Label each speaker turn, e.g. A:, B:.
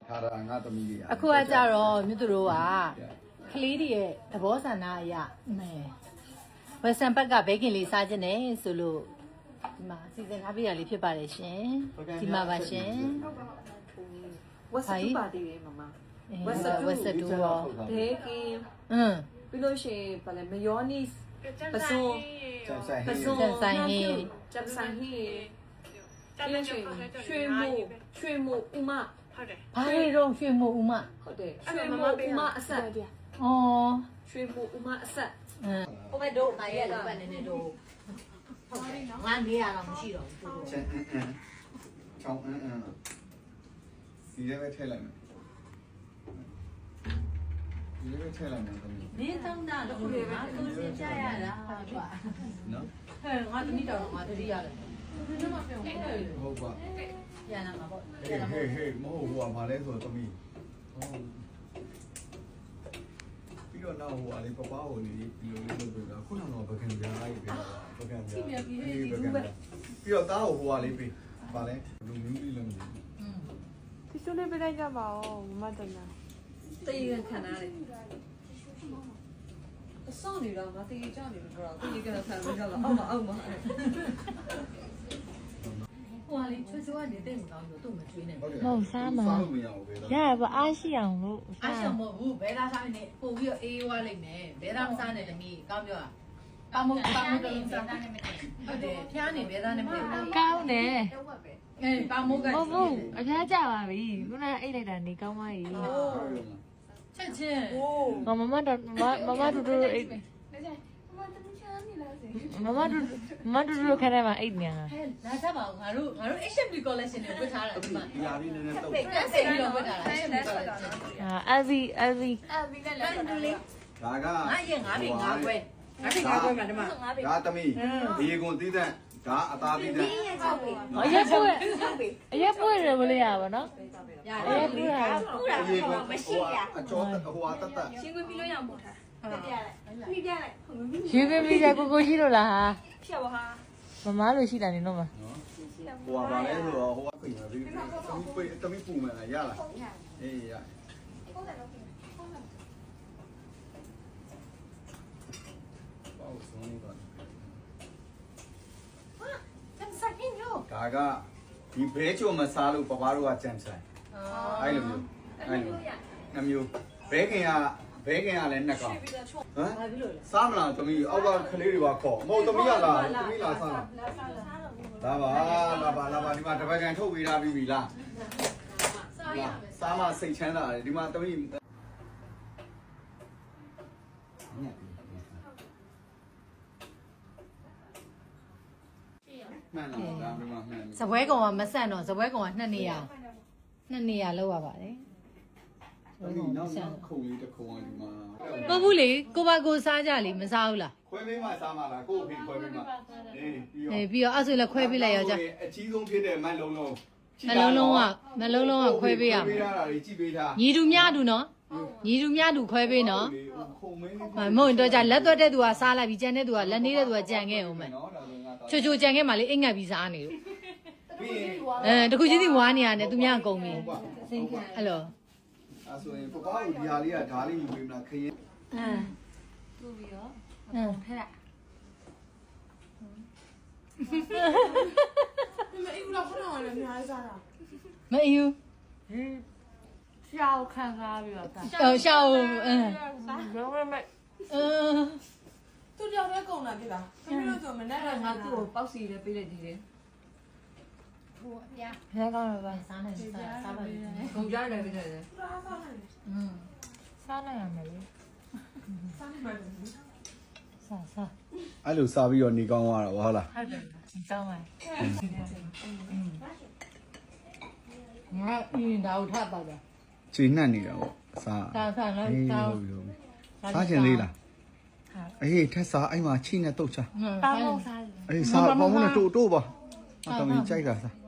A: ထားတာငါသမီးလေး
B: အခုကကြတော့မြတ်သူတို့ကကလေးတွေရဲ့သဘောဆန္ဒအရဝက်ဆန်ဘက်ကဘေးကင်လေးစားခြင်းနဲ့ဆိုလို့ဒီမှာစီစဉ်ထားပြရလေးဖြစ်ပါတယ်ရှင်ဒီမှာပါရှင်
C: ဝက်စတူပါသေးတယ်မမ
B: ဝက်စတူရော
C: ဘေးကင်ပြီးလို့ရှိရင်ဗာလေမယောနီစ်ပစုံ
B: ကျန်ဆိုင်ဟင်း
C: ကျန်ဆိုင်ဟင်းပြီးလို့ရှိရင်ရွှေမို့ဥမ
B: ဟုတ်တယ်ဘာတွေတော့ရွှေမို့ဥမ
C: ဟုတ်တယ်ရွှေမို့ဥမအဆက်
B: ဩ
C: ရွှေမို့ဥမအဆက်
B: ဟိုမဲ့တို့မရဲ့တော့နည်းနည်းတို့ဟုတ်တယ်ငါနေရတော့မရှိတော့ဘူး
A: ချောင်းဒီလည်းပဲထည့်လိုက်မယ်ဒီလည်းပဲထည့်လိုက်မယ်သမီး
B: နေတောင်းတာတော့လေငါသူစင်ကြရတာကွာ
A: နော်
B: ဟဲ့ငါသမီးတော်ငါတတိရတယ်
A: ဟုတ်ပါ
B: ရနာမှာပေါ့
A: ဟေးမဟုတ်ဘူးကဘာလဲဆိုတော့သမီးဟုတ်ပြီးတော့နောက်ဟိုအလေးပပဟိုလေးဒီလိုလေးလုပ်ပြီးတော့ခုနကတော့ပကံပြားကြီးပြပကံပြားပြီးတော့တားဟိုလေးပြီးဘာလဲလူမျိုးလေးလည်းမသိဘူး
D: ဒီစုလေးပေးလိုက်ကြပါဦးမမတနာ
C: တည်ရခံရတယ်အစောင့်နေတော့မတည်ကြနေတော့တည်ကတော့ခံလို့ရတော့အောက်မှာ
B: ဟိုလေးချွတ်ချွတ်နေတဲ့မကောင်းဘူးသူ့မချွေးနဲ့
D: မဟုတ်စားမှာ
A: စားလို့မရဘူးပဲ
D: ရရပါအားရှိအောင်လို့
B: အားရှိအောင်မဟုတ်ဘူးဘဲသားစားနေပို့ပြီးတော့အေးဝါးလိုက်မယ်ဘဲသားမစားနဲ့တမီးကောင်းပြောတာပေါမတလုံးစားနဲ့မတည့်ဟုတ်တယ်ဖျားနေဘဲသားနဲ့မတည့်
D: ကောင်းတယ်
B: ပေါမက
D: ဟုတ်ဟုတ်အဖျားကြပါပြီခုနကအိတ်လိုက်တာနေကောင်းပါပြီ
B: ချက်ချင်း
D: မမတို့အိတ်မမတို့ခနဲ့မှာအိတ်ညာ
B: ဟဲ့လာကြပါဦးငါတို့ HMB collection တွေဝတ်ထားတာဒီမှာ
A: ဒီဟာလေးနည်းနည်းတော့
B: ကန်းစင်ပြီးတော့ဝတ်ထားတာ
D: LV
B: နဲ့လည်း
A: ဒါက
B: ငါရင်ငါပြီငါခွဲမှာဒီမှာ
A: ဒါသမီးဒီကွန်သီးတဲ့ဒါအသားသီးတဲ့အ
D: ရက်ပွေရမလို့ရပါနော်
B: ရတယ်
D: ပွေရ
A: မရှိရအကျော်ဟိုအတတ်
C: ရှင်းခွင့်ပြီးလို့ရမို့ထားပြလိုက်မိပြလိုက်
D: ယူပြမိကြကိုရှိလို့လားဟာ
C: ဖြတ်ပါဟာ
D: မမလို့ရှိတာနေတော့မ
A: ဟိုကဘာလဲဆိုတော့ဟိုကပြင်ပြီးသမီးပူမယ်ရလားအေးရပေါ့ဆုံးနေပါဒါကဒီဘဲချိုမစားလို့ပပတို့ကကြံဆိုင်အဲ့လိုမျိုးနှမျိုးဘဲခင်ကလည်းနှစ်ကောင်ဟမ်စားမလားသမီးအောက်ကကလေးတွေပါခေါ်မဟုတ်သမီးကလားသမီးလားစားလားလာပါဒီမှာတပတ်ကန်ထုတ်ပေးထားပြီလားစားမစိတ်ချမ်းသာတယ်ဒီမှာသမီးမှန်လားဒါမှမမှန်
B: စပွဲကောင်ကမဆန့်တော့စပွဲကောင်က2နေရာလောက်ရပါတယ်
A: ဒီနောက်ခုံလေးတစ်ခုံကဒီမှာ
B: မဟုတ်ဘူးလေကိုပါကိုစားကြလေမစားဘူးလား
A: ခွဲပေးမှစားမှာလားကို့အဖေခွဲပေးမှ
B: ပြီးတော့အဲ့ဆိုလည်းခွဲပေးလိုက်ရောကြ
A: အကြီးဆုံးဖြစ်တဲ့မတ်လုံးလုံး
B: ကခွဲပေးရ
A: မှာပေးထားတာကြီးကြည့်ပေးထား
B: ညီတူမြတူနော်ညီတူမြတူခွဲပေးနော်မဟုတ်တော့ကြလက်သွက်တဲ့သူကစားလိုက်ပြီးကြံတဲ့သူကလက်နေတဲ့သူကကြံခဲ့အောင်မယ်ချိုကြံခဲ့မှလေအိမ်ငတ်ပြီးစားနေလို့တခုချင်းစီဝါနေရတယ်သူများအကုန်ပြီအဲ့လို
A: အဲ့ဆိုရင်ပပကိုဒီဟာလေးကဓာလေးယူပေးမလားခရင်
C: တူပြီးတော့
B: ထဲလိုက်
D: မအေးဘူးလားခုနကလည်းများစားတာ
B: မအေးဘူး
D: ရှောက်ခံစားပြီးတော့
B: ရှောက်
D: တော့မဲ့
C: သူကြောင့်လည်းကုန်တာဖြစ်လားသမီးတို့ဆိုမနဲ့တော့ငါသူ့ကိုပေါက်စီလည်းပေးလိုက်သေးတယ်
B: ဟိုအပြား
D: ဘယ်ကောင်းလဲပါ
B: စားနေစားပါ
C: ကုန်ကြတယ်ပြတယ်
D: စားနိုင်ရမယ်လေ
C: စားနိုင်ပါဘူး
D: စား
A: အဲ့လိုစားပြီးတော့နေကောင်းသွားတာဟုတ်လား
D: ဟုတ်တယ်ကောင်းပါ
B: ငါအင်းဒါထပ်ပါတော့
A: ချိန်နှံ့နေတာပေါ့စား
B: လား
A: စားချင်သေးလားအေးထက်စားအဲ့မှာချိနဲ့တုတ်ချ
D: တောင်းစား
A: အေးစားပေါင်းနဲ့တိုးပါအတော်ကြီးကြိုက်တာစား